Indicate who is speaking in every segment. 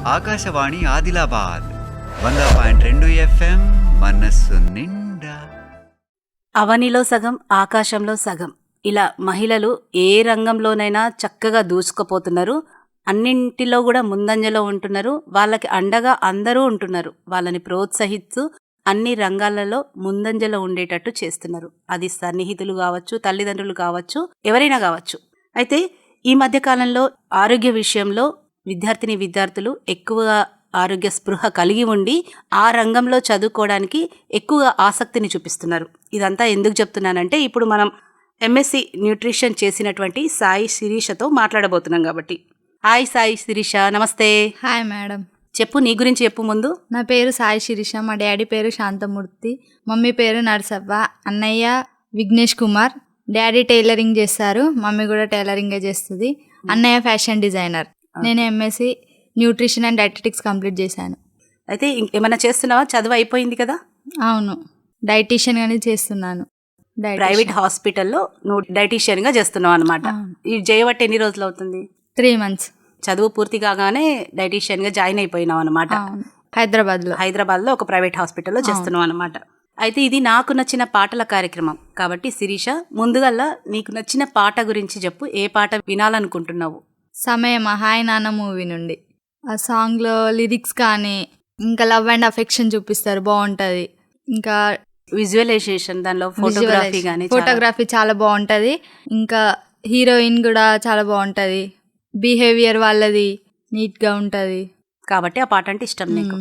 Speaker 1: Akashvani Adilabad 100.2 FM మనస్సు నిండా.
Speaker 2: అవనిలో సగం ఆకాశంలో సగం, ఇలా మహిళలు ఏ రంగంలోనైనా చక్కగా దూసుకుపోతున్నారు. అన్నింటిలో కూడా ముందంజలో ఉంటున్నారు. వాళ్ళకి అండగా అందరూ ఉంటున్నారు. వాళ్ళని ప్రోత్సహిస్తూ అన్ని రంగాలలో ముందంజలో ఉండేటట్టు చేస్తున్నారు. అది సన్నిహితులు కావచ్చు, తల్లిదండ్రులు కావచ్చు, ఎవరైనా కావచ్చు. అయితే ఈ మధ్యకాలంలో ఆరోగ్య విషయంలో విద్యార్థులు ఎక్కువగా ఆరోగ్య స్పృహ కలిగి ఉండి ఆ రంగంలో చదువుకోవడానికి ఎక్కువగా ఆసక్తిని చూపిస్తున్నారు. ఇదంతా ఎందుకు చెప్తున్నానంటే, ఇప్పుడు మనం ఎంఎస్సి న్యూట్రిషన్ చేసినటువంటి సాయి శిరీషతో మాట్లాడబోతున్నాం కాబట్టి. హాయ్ సాయి శిరీష, నమస్తే.
Speaker 3: Hi madam.
Speaker 2: చెప్పు, నీ గురించి చెప్పు ముందు.
Speaker 3: నా పేరు సాయి శిరీష, మా డాడీ పేరు శాంతమూర్తి, మమ్మీ పేరు నరసవ్వ, అన్నయ్య విఘ్నేష్ కుమార్. డాడీ టైలరింగ్ చేస్తారు, మమ్మీ కూడా టైలరింగే చేస్తుంది. అన్నయ్య ఫ్యాషన్ డిజైనర్. నేను MSc nutrition and dietetics complete చేశాను.
Speaker 2: అయితే ఏమైనా చేస్తున్నావా? చదువు అయిపోయింది కదా?
Speaker 3: అవును, డైటీషియన్ గానే చేస్తున్నాను.
Speaker 2: ప్రైవేట్ హాస్పిటల్లో నువ్వు డైటీషియన్ గా చేస్తున్నావు అనమాట. ఈ చేయబట్టి ఎన్ని రోజులు అవుతుంది?
Speaker 3: 3 months.
Speaker 2: చదువు పూర్తి కాగానే డైటీషియన్ గా జాయిన్ అయిపోయినావు అనమాట. హైదరాబాద్ లో ఒక ప్రైవేట్ హాస్పిటల్లో చేస్తున్నావు అనమాట. అయితే ఇది నాకు నచ్చిన పాటల కార్యక్రమం కాబట్టి శిరీష, ముందుగల్లా నీకు నచ్చిన పాట గురించి చెప్పు. ఏ పాట వినాలనుకుంటున్నావు?
Speaker 3: సమయం హాయ్ నాన్న మూవీ నుండి. ఆ సాంగ్లో లిరిక్స్ కానీ ఇంకా లవ్ అండ్ అఫెక్షన్ చూపిస్తారు, బాగుంటుంది. ఇంకా
Speaker 2: విజువలైజేషన్, దానిలో
Speaker 3: ఫోటోగ్రఫీ చాలా బాగుంటుంది. ఇంకా హీరోయిన్ కూడా చాలా బాగుంటుంది. బిహేవియర్ వాళ్ళది నీట్గా ఉంటుంది
Speaker 2: కాబట్టి ఆ పాట అంటే ఇష్టం నీకు.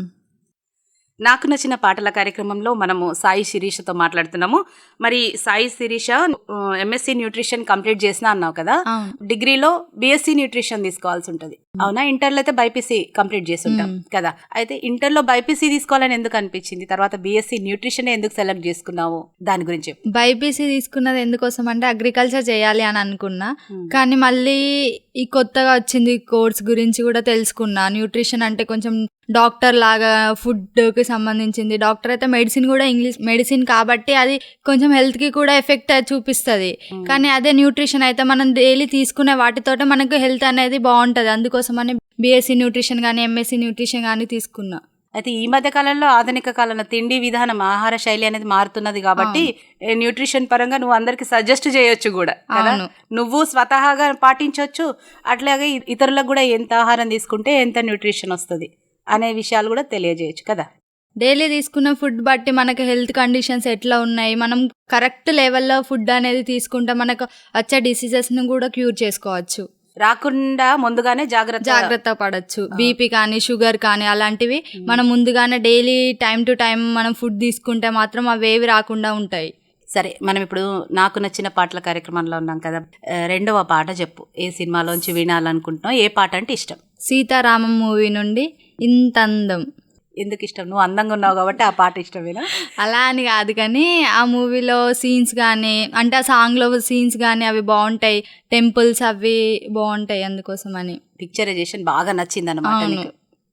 Speaker 2: నాకు నచ్చిన పాటల కార్యక్రమంలో మనము సాయి శిరీషతో మాట్లాడుతున్నాము. మరి Sai Sirisha MSc nutrition complete చేసినా అన్నావు కదా, డిగ్రీలో బిఎస్సి న్యూట్రిషన్ తీసుకోవాల్సి ఉంటుంది, అవునా? ఇంటర్లో అయితే బైపీసీ కంప్లీట్ చేసి ఉంటాం కదా. అయితే ఇంటర్లో బైపీసీ తీసుకోవాలని ఎందుకు అనిపించింది? తర్వాత బిఎస్సి న్యూట్రిషన్ ఎందుకు సెలెక్ట్ చేసుకున్నావు? దాని గురించి.
Speaker 3: బైపీసీ తీసుకున్నది ఎందుకోసం అంటే అగ్రికల్చర్ చేయాలి అని అనుకున్నా, కానీ మళ్ళీ ఈ కొత్తగా వచ్చింది కోర్స్ గురించి కూడా తెలుసుకున్నా. న్యూట్రిషన్ అంటే కొంచెం డాక్టర్ లాగా ఫుడ్కి సంబంధించింది. డాక్టర్ అయితే మెడిసిన్ కూడా ఇంగ్లీష్ మెడిసిన్ కాబట్టి అది కొంచెం హెల్త్కి కూడా ఎఫెక్ట్ చూపిస్తుంది. కానీ అదే న్యూట్రిషన్ అయితే మనం డైలీ తీసుకునే వాటితోటే మనకు హెల్త్ అనేది బాగుంటుంది. అందుకోసమని బిఎస్సి న్యూట్రిషన్ కానీ ఎంఎస్సి న్యూట్రిషన్ కానీ తీసుకున్నా.
Speaker 2: అయితే ఈ మధ్య కాలంలో ఆధునిక కాలంలో తిండి విధానం, ఆహార శైలి అనేది మారుతున్నది కాబట్టి న్యూట్రిషన్ పరంగా నువ్వు అందరికి సజెస్ట్ చేయొచ్చు కూడా కదా. నువ్వు స్వతహాగా పాటించవచ్చు, అట్లాగే ఇతరులకు కూడా ఎంత ఆహారం తీసుకుంటే ఎంత న్యూట్రిషన్ వస్తుంది అనే విషయాలు కూడా తెలియజేయచ్చు కదా.
Speaker 3: డైలీ తీసుకున్న ఫుడ్ బట్టి మనకు హెల్త్ కండిషన్స్ ఎట్లా ఉన్నాయి, మనం కరెక్ట్ లెవెల్లో ఫుడ్ అనేది తీసుకుంటే మనకు వచ్చే డిసీజెస్ను కూడా క్యూర్ చేసుకోవచ్చు,
Speaker 2: రాకుండా ముందుగానే జాగ్రత్త
Speaker 3: పడవచ్చు. బీపీ కానీ షుగర్ కానీ అలాంటివి మనం ముందుగానే డైలీ టైం టు టైం మనం ఫుడ్ తీసుకుంటే మాత్రం అవేవి రాకుండా ఉంటాయి.
Speaker 2: సరే, మనం ఇప్పుడు నాకు నచ్చిన పాటల కార్యక్రమంలో ఉన్నాం కదా. రెండవ పాట చెప్పు, ఏ సినిమాలోంచి వినాలనుకుంటున్నావు? ఏ పాట అంటే ఇష్టం?
Speaker 3: సీతారామం మూవీ నుండి ఇంత అందం.
Speaker 2: ఎందుకు ఇష్టం? నువ్వు అందంగా ఉన్నావు కాబట్టి ఆ పాట ఇష్టమేనా?
Speaker 3: అలా అని కాదు, కానీ ఆ మూవీలో సీన్స్ కానీ అంటే ఆ సాంగ్లో సీన్స్ కానీ అవి బాగుంటాయి, టెంపుల్స్ అవి బాగుంటాయి, అందుకోసమని
Speaker 2: పిక్చరైజేషన్ బాగా నచ్చింది అన్నమాట.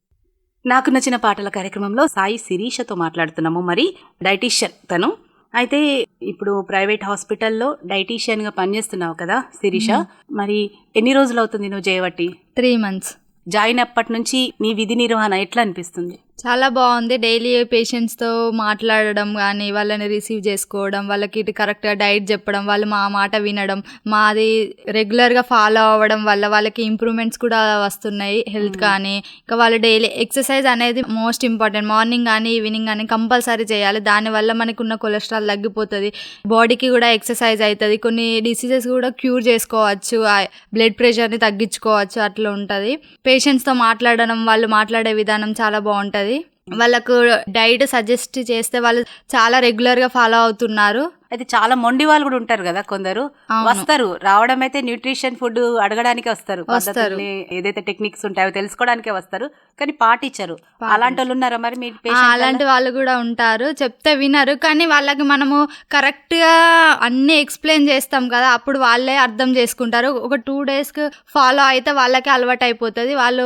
Speaker 2: నాకు నచ్చిన పాటల కార్యక్రమంలో సాయి శిరీషతో మాట్లాడుతున్నాము. మరి డైటీషియన్ తను. అయితే ఇప్పుడు ప్రైవేట్ హాస్పిటల్లో డైటీషియన్గా పనిచేస్తున్నావు కదా శిరీష. మరి ఎన్ని రోజులు అవుతుంది నువ్వు చేయబట్టి?
Speaker 3: 3 months.
Speaker 2: జాయిన్ అప్పటి నుంచి నీ విధి నిర్వహణ ఎట్లా అనిపిస్తుంది?
Speaker 3: చాలా బాగుంది. డైలీ పేషెంట్స్తో మాట్లాడడం కానీ, వాళ్ళని రిసీవ్ చేసుకోవడం, వాళ్ళకి ఇటు కరెక్ట్గా డైట్ చెప్పడం, వాళ్ళు మా మాట వినడం, మాది రెగ్యులర్గా ఫాలో అవ్వడం వల్ల వాళ్ళకి ఇంప్రూవ్మెంట్స్ కూడా వస్తున్నాయి హెల్త్ కానీ. ఇంకా వాళ్ళు డైలీ ఎక్సర్సైజ్ అనేది మోస్ట్ ఇంపార్టెంట్. మార్నింగ్ కానీ ఈవినింగ్ కానీ కంపల్సరీ చేయాలి. దానివల్ల మనకు ఉన్న కొలెస్ట్రాల్ తగ్గిపోతుంది, బాడీకి కూడా ఎక్సర్సైజ్ అవుతుంది, కొన్ని డిసీజెస్ కూడా క్యూర్ చేసుకోవచ్చు, బ్లడ్ ప్రెషర్ని తగ్గించుకోవచ్చు, అట్లా ఉంటుంది. పేషెంట్స్తో మాట్లాడడం, వాళ్ళు మాట్లాడే విధానం చాలా బాగుంటుంది. వాళ్ళకు డైట్ సజెస్ట్ చేస్తే వాళ్ళు చాలా రెగ్యులర్గా ఫాలో అవుతున్నారు.
Speaker 2: అయితే చాలా మొండి వాళ్ళు కూడా ఉంటారు కదా కొందరు, వస్తారు, రావడం అయితే న్యూట్రిషన్ ఫుడ్ అడగడానికి వస్తారు, ఏదైతే టెక్నిక్స్ ఉంటాయో తెలుసుకోవడానికే వస్తారు, కానీ పాటించరు. అలాంటి వాళ్ళు ఉన్నారా మరి మీ పేషెంట్?
Speaker 3: అలాంటి వాళ్ళు కూడా ఉంటారు, చెప్తే వినరు. కానీ వాళ్ళకి మనము కరెక్ట్గా అన్నీ ఎక్స్ప్లెయిన్ చేస్తాం కదా, అప్పుడు వాళ్ళే అర్థం చేసుకుంటారు. ఒక 2 days ఫాలో అయితే వాళ్ళకి అలవాటు అయిపోతుంది. వాళ్ళు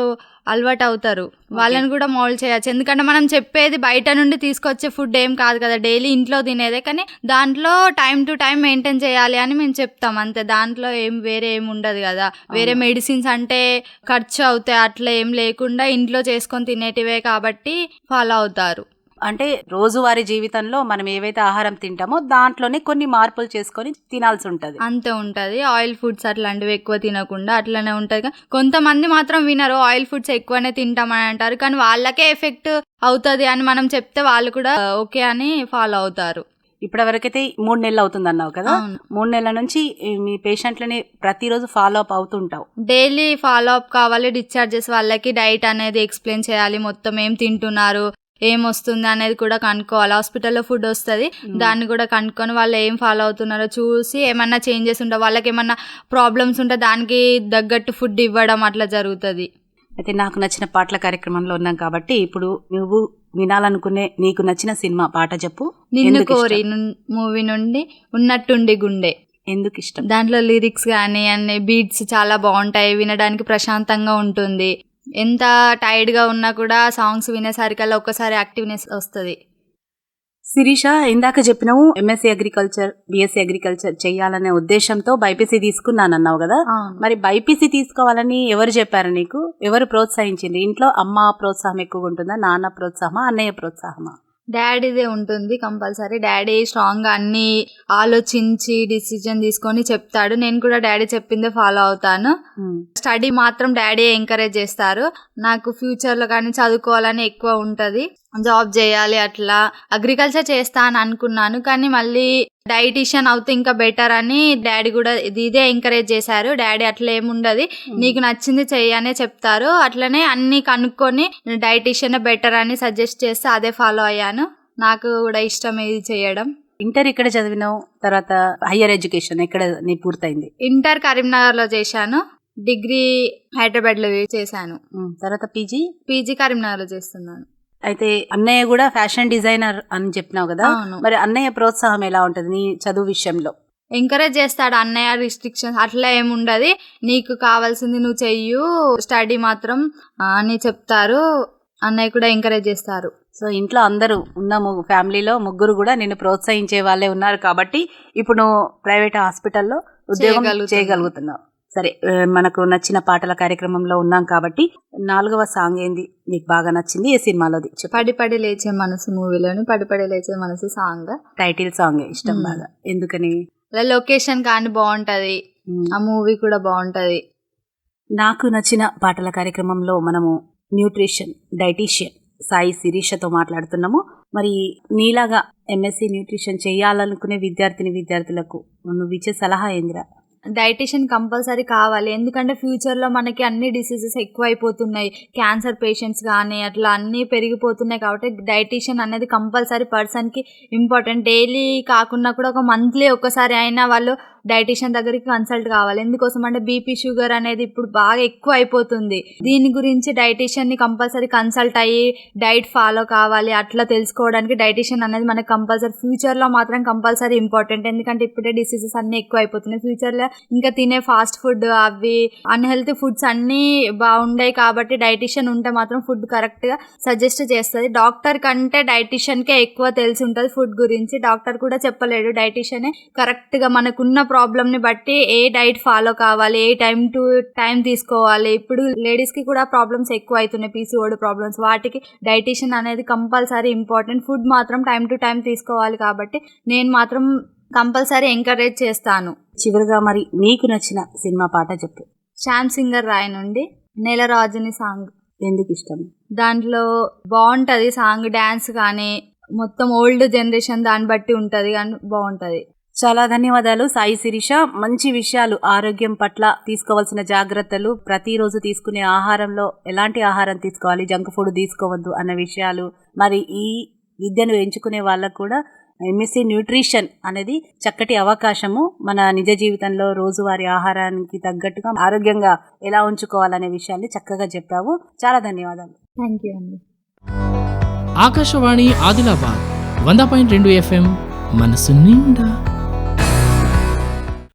Speaker 3: అలవాటు అవుతారు. వాళ్ళని కూడా మోల్డ్ చేయొచ్చు. ఎందుకంటే మనం చెప్పేది బయట నుండి తీసుకొచ్చే ఫుడ్ ఏం కాదు కదా, డైలీ ఇంట్లో తినేదే. కానీ దాంట్లో టైం టు టైం మెయింటైన్ చేయాలి అని మేము చెప్తాం అంతే. దాంట్లో వేరే ఏం ఉండదు కదా. వేరే మెడిసిన్స్ అంటే ఖర్చు అవుతాయి, అట్లా ఏం లేకుండా ఇంట్లో చేసుకొని తినేటివే కాబట్టి ఫాలో అవుతారు.
Speaker 2: అంటే రోజువారీ జీవితంలో మనం ఏవైతే ఆహారం తింటామో దాంట్లోనే కొన్ని మార్పులు చేసుకొని తినాల్సి ఉంటది.
Speaker 3: అంతే ఉంటది. ఆయిల్ ఫుడ్స్ అట్లాంటివి ఎక్కువ తినకుండా అట్లనే ఉంటది. కొంతమంది మాత్రం వినరు, ఆయిల్ ఫుడ్స్ ఎక్కువనే తింటామని అంటారు. కానీ వాళ్ళకే ఎఫెక్ట్ అవుతుంది అని మనం చెప్తే వాళ్ళు కూడా ఓకే అని ఫాలో అవుతారు.
Speaker 2: ఇప్పటి వరకైతే 3 నెలలు అవుతుంది అన్నావు కదా. 3 నెలల నుంచి మీ పేషెంట్లని ప్రతిరోజు ఫాలో అప్ అవుతుంటావు.
Speaker 3: డైలీ ఫాలో అప్ కావాలి. డిశ్చార్జెస్ వాళ్ళకి డైట్ అనేది ఎక్స్ప్లెయిన్ చేయాలి, మొత్తం ఏం తింటున్నారు, ఏం వస్తుంది అనేది కూడా కనుక్కోవాలి. హాస్పిటల్లో ఫుడ్ వస్తుంది, దాన్ని కూడా కనుక్కొని వాళ్ళు ఏం ఫాలో అవుతున్నారో చూసి ఏమన్నా చేంజెస్ ఉంటే, వాళ్ళకి ఏమన్నా ప్రాబ్లమ్స్ ఉంటే దానికి తగ్గట్టు ఫుడ్ ఇవ్వడం అట్లా జరుగుతుంది.
Speaker 2: అయితే నాకు నచ్చిన పాటల కార్యక్రమంలో ఉన్నాం కాబట్టి ఇప్పుడు నువ్వు వినాలనుకునే నీకు నచ్చిన సినిమా పాట చెప్పు.
Speaker 3: నిన్ను కోరి మూవీ నుండి ఉన్నట్టుండి గుండె.
Speaker 2: ఎందుకు ఇష్టం?
Speaker 3: దాంట్లో లిరిక్స్ కానీ అన్ని బీట్స్ చాలా బాగుంటాయి, వినడానికి ప్రశాంతంగా ఉంటుంది. ఎంత టైర్డ్గా ఉన్నా కూడా సాంగ్స్ వినేసరికల్లా ఒక్కసారి యాక్టివ్నెస్ వస్తుంది.
Speaker 2: శిరీష, ఇందాక చెప్పినావు ఎంఎస్సీ అగ్రికల్చర్, బిఎస్సీ అగ్రికల్చర్ చేయాలనే ఉద్దేశంతో బైపీసీ తీసుకున్నానన్నావు కదా. మరి బైపీసీ తీసుకోవాలని ఎవరు చెప్పారు నీకు? ఎవరు ప్రోత్సహించింది? ఇంట్లో అమ్మ ప్రోత్సాహం ఎక్కువగా ఉంటుందా, నాన్న ప్రోత్సాహమా, అన్నయ్య ప్రోత్సాహమా?
Speaker 3: డాడీదే ఉంటుంది కంపల్సరీ. డాడీ స్ట్రాంగ్గా అన్ని ఆలోచించి డిసిజన్ తీసుకొని చెప్తాడు. నేను కూడా డాడీ చెప్పిందే ఫాలో అవుతాను. స్టడీ మాత్రం డాడీ ఎంకరేజ్ చేస్తారు. నాకు ఫ్యూచర్లో కానీ చదువుకోవాలని ఎక్కువ ఉంటుంది, జాబ్ చేయాలి, అట్లా అగ్రికల్చర్ చేస్తా అని అనుకున్నాను. కానీ మళ్ళీ డైటీషియన్ అవుతే ఇంకా బెటర్ అని డాడీ కూడా ఇదే ఎంకరేజ్ చేశారు. డాడీ అట్లా ఏముండదు, నీకు నచ్చింది చెయ్యనే చెప్తారు. అట్లనే అన్ని కనుక్కొని డైటీషియన్ బెటర్ అని సజెస్ట్ చేస్తే అదే ఫాలో అయ్యాను. నాకు కూడా ఇష్టం ఇది చేయడం.
Speaker 2: ఇంటర్ ఇక్కడ చదివినావు, తర్వాత హయ్యర్ ఎడ్యుకేషన్ ఎక్కడ నీ పూర్తయింది?
Speaker 3: ఇంటర్ కరీంనగర్లో చేశాను, డిగ్రీ హైదరాబాద్లో చేశాను,
Speaker 2: తర్వాత పీజీ
Speaker 3: కరీంనగర్లో చేస్తున్నాను.
Speaker 2: అయితే అన్నయ్య కూడా ఫ్యాషన్ డిజైనర్ అని చెప్పినావు కదా. మరి అన్నయ్య ప్రోత్సాహం ఎలా ఉంటుంది నీ చదువు విషయంలో?
Speaker 3: ఎంకరేజ్ చేస్తాడు అన్నయ్య. రిస్ట్రిక్షన్స్ అట్లా ఏముండదు, నీకు కావాల్సింది నువ్వు చెయ్యు, స్టడీ మాత్రం అని చెప్తారు. అన్నయ్య కూడా ఎంకరేజ్ చేస్తారు.
Speaker 2: సో ఇంట్లో అందరూ ఉన్న ఫ్యామిలీలో ముగ్గురు కూడా నిన్ను ప్రోత్సహించే వాళ్ళే ఉన్నారు కాబట్టి ఇప్పుడు నువ్వు ప్రైవేట్ హాస్పిటల్లో ఉద్యోగం చేయగలుగుతున్నావు. సరే, మనకు నచ్చిన పాటల కార్యక్రమంలో ఉన్నాం కాబట్టి 4వ సాంగ్ ఏంది నీకు బాగా నచ్చింది, ఏ సినిమాలోది?
Speaker 3: పడి పడి లేచే మనసు మూవీలోని పడి పడి లేచే మనసు సాంగ్
Speaker 2: టైటిల్ సాంగ్ ఇష్టం బాగా. ఎందుకని?
Speaker 3: లొకేషన్ కానీ బాగుంటది, ఆ మూవీ కూడా బాగుంటది.
Speaker 2: నాకు నచ్చిన పాటల కార్యక్రమంలో మనము న్యూట్రిషన్ డైటీషియన్ సాయి శిరీషతో మాట్లాడుతున్నాము. మరి నీలాగా ఎంఎస్సీ న్యూట్రిషన్ చేయాలనుకునే విద్యార్థులకు నువ్వు ఇచ్చే సలహా ఏందిరా?
Speaker 3: డైటీషియన్ కంపల్సరీ కావాలి. ఎందుకంటే ఫ్యూచర్లో మనకి అన్ని డిసీజెస్ ఎక్కువ అయిపోతున్నాయి, క్యాన్సర్ పేషెంట్స్ కానీ అట్లా అన్నీ పెరిగిపోతున్నాయి. కాబట్టి డైటీషియన్ అనేది కంపల్సరీ పర్సన్కి ఇంపార్టెంట్. డైలీ కాకుండా కూడా ఒక మంత్లీ ఒక్కసారి అయినా వాళ్ళు డైటీషియన్ దగ్గరికి కన్సల్ట్ కావాలి. ఎందుకోసం అంటే బీపీ షుగర్ అనేది ఇప్పుడు బాగా ఎక్కువ అయిపోతుంది. దీని గురించి డైటీషియన్ని కంపల్సరీ కన్సల్ట్ అయ్యి డైట్ ఫాలో కావాలి. అట్లా తెలుసుకోవడానికి డైటీషియన్ అనేది మనకు కంపల్సరీ ఫ్యూచర్లో మాత్రం కంపల్సరీ ఇంపార్టెంట్. ఎందుకంటే ఇప్పుడే డిసీజెస్ అన్నీ ఎక్కువ అయిపోతున్నాయి. ఫ్యూచర్లో ఇంకా తినే ఫాస్ట్ ఫుడ్ అవి అన్హెల్తీ ఫుడ్స్ అన్నీ బాగుండాయి కాబట్టి డైటీషియన్ ఉంటే మాత్రం ఫుడ్ కరెక్ట్గా సజెస్ట్ చేస్తుంది. డాక్టర్ కంటే డైటీషియన్కే ఎక్కువ తెలిసి ఉంటుంది ఫుడ్ గురించి. డాక్టర్ కూడా చెప్పలేడు, డైటీషియనే కరెక్ట్గా మనకున్న ప్రాబ్లమ్ని బట్టి ఏ డైట్ ఫాలో కావాలి, ఏ టైం టు టైం తీసుకోవాలి. ఇప్పుడు లేడీస్కి కూడా ప్రాబ్లమ్స్ ఎక్కువ అవుతున్నాయి, పీసీఓడి ప్రాబ్లమ్స్. వాటికి డైటీషియన్ అనేది కంపల్సరీ ఇంపార్టెంట్. ఫుడ్ మాత్రం టైం టు టైం తీసుకోవాలి. కాబట్టి నేను మాత్రం కంపల్సరీ ఎంకరేజ్ చేస్తాను.
Speaker 2: చివరిగా మరి నీకు నచ్చిన సినిమా పాట చెప్పు.
Speaker 3: శ్యామ్ సింగర్ రాయ్ నుండి నెలరాజుని సాంగ్.
Speaker 2: ఎందుకు ఇష్టం?
Speaker 3: దాంట్లో బాగుంటుంది సాంగ్, డ్యాన్స్ కానీ మొత్తం ఓల్డ్ జనరేషన్ దాన్ని బట్టి ఉంటుంది కానీ బాగుంటుంది.
Speaker 2: చాలా ధన్యవాదాలు సాయి శిరీష. మంచి విషయాలు, ఆరోగ్యం పట్ల తీసుకోవాల్సిన జాగ్రత్తలు, ప్రతిరోజు తీసుకునే ఆహారంలో ఎలాంటి ఆహారం తీసుకోవాలి, జంక్ ఫుడ్ తీసుకోవద్దు అన్న విషయాలు, మరి ఈ విద్యను ఎంచుకునే వాళ్ళకు కూడా ఎంఎస్సీ న్యూట్రిషన్ అనేది చక్కటి అవకాశము. మన నిజ జీవితంలో రోజువారీ ఆహారానికి తగ్గట్టుగా ఆరోగ్యంగా ఎలా ఉంచుకోవాలనే విషయాన్ని చక్కగా చెప్పావు. చాలా ధన్యవాదాలు.
Speaker 3: థ్యాంక్ యూ అండి.
Speaker 4: ఆకాశవాణి ఆదిలాబాద్ 100.2 FM మనసు నిండా.